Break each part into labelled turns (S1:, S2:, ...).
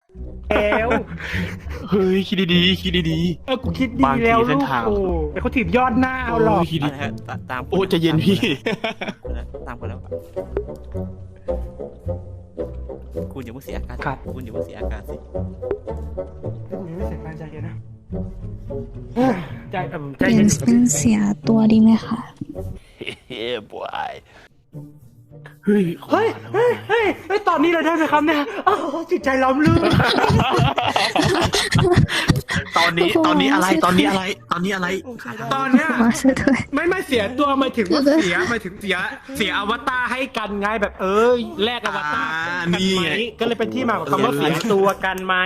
S1: แล้ว
S2: เฮ้ยคิดดีๆคิดดี
S1: กูคิดดีแล้ว
S2: บางทีเส้
S1: ลู
S2: น
S1: ก
S2: ทาง
S1: โอ้ไอเขาถีบยอดหน้า
S2: ๆ
S1: เอาหรอก
S2: คิดดี
S3: เอาละฮะตาม
S2: โอ้ใจเย็นพี่
S3: ตามคนแล้วคุณอย่าเพิ่งเสียอาการคุณอย่าเพิ่งเสียอาการสิ
S1: ไม่เสียการใจเย็นนะใจใจ
S4: เปลี่
S1: เย็
S4: ย
S1: น
S4: นเป็นเสียตัวดีไหมคะ
S2: เฮ้ยบอยเฮ้ย
S1: เฮ้ยเฮ้ยเฮ้ยเฮ้ยตอนนี้เลยได้ไหมครับเนี่ยโอ้จิตใจล้อมลื่น
S2: ตอนนี้อะไรตอนนี้อะไรตอนนี้อะไร
S1: ตอนเนี้ย
S4: มาช่วยด้วย
S1: ไม่เสียตัวหมายถึงว่าเสียอวตารให้กันไงแบบแลกอวตารกันไหมก็เลยเป็นที่มาของคำว่าเสียตัวกันไหม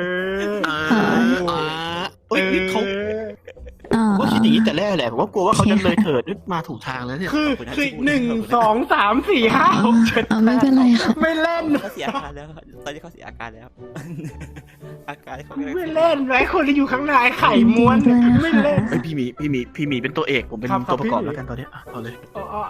S2: เฮ้ยนี่เขา ว่าคิดอย่างนี้แต่แรกแหละผมว่ากลัวว่าเขาจะเลยเถิดมาถูกทางแล้วเนี่ย
S1: คือ1 2 3 4 5 6 7
S4: ไม่เป็นไรค่ะ
S1: ไม่เล่น
S3: เขาเสียอาการแล้วตอนนี้เขาเสียอาการแล้วอาการเขา
S1: ไม่เล่นไว้คนที่อยู่ข้างในไข่ม้วนไม่เล่น
S2: เฮ้ยพี่มีเป็นตัวเอกผมเป็น
S1: ครับ
S2: ตัวประกอบ
S1: พี่
S2: แล้วกันตอนนี้เอาเลย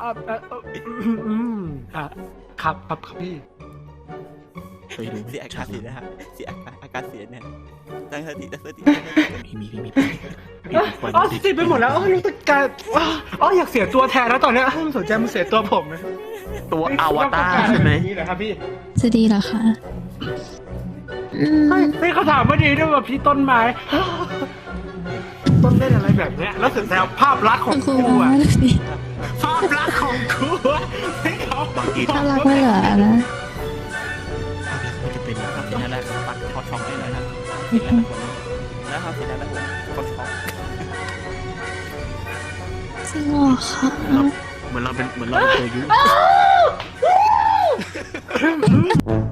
S1: ครับพี่
S2: ไปดู
S3: เสียอาการเสียนะฮะเสียอาการเสียเนี่ยตั้งสติ
S2: มี
S1: ติดไปหมดแล้วรู้สึกการอยากเสียตัวแทนแล้วตอนนี้สนใจมันเสียตัวผมนะ
S2: ตัวอวตารใช่ไหม
S1: นี่เหรอครับพี่
S4: จะดีเหรอคะ
S1: ไม่เขาถามว่าดีด้วยว่าพี่ต้นไม้ ต้นเล่นอะไรแบบเนี้ยแล้วสุดแล้วภาพลักษณ์ของ
S4: คุณ
S1: กู
S4: ว่า
S1: อะ
S4: สิ
S1: ภาพลักษณ์ของกูอะให้เขา
S2: บางที
S4: ถ้ารักไม่เหลือนะ
S2: มันจะเป็น
S3: เขาเสียแล้วปักเขาช็อกได้เลยนะแล้วเขาเสียแล้วเขาช็อก
S4: จริงเหรอคะ
S2: เหมือนเราเป็นตัวยุ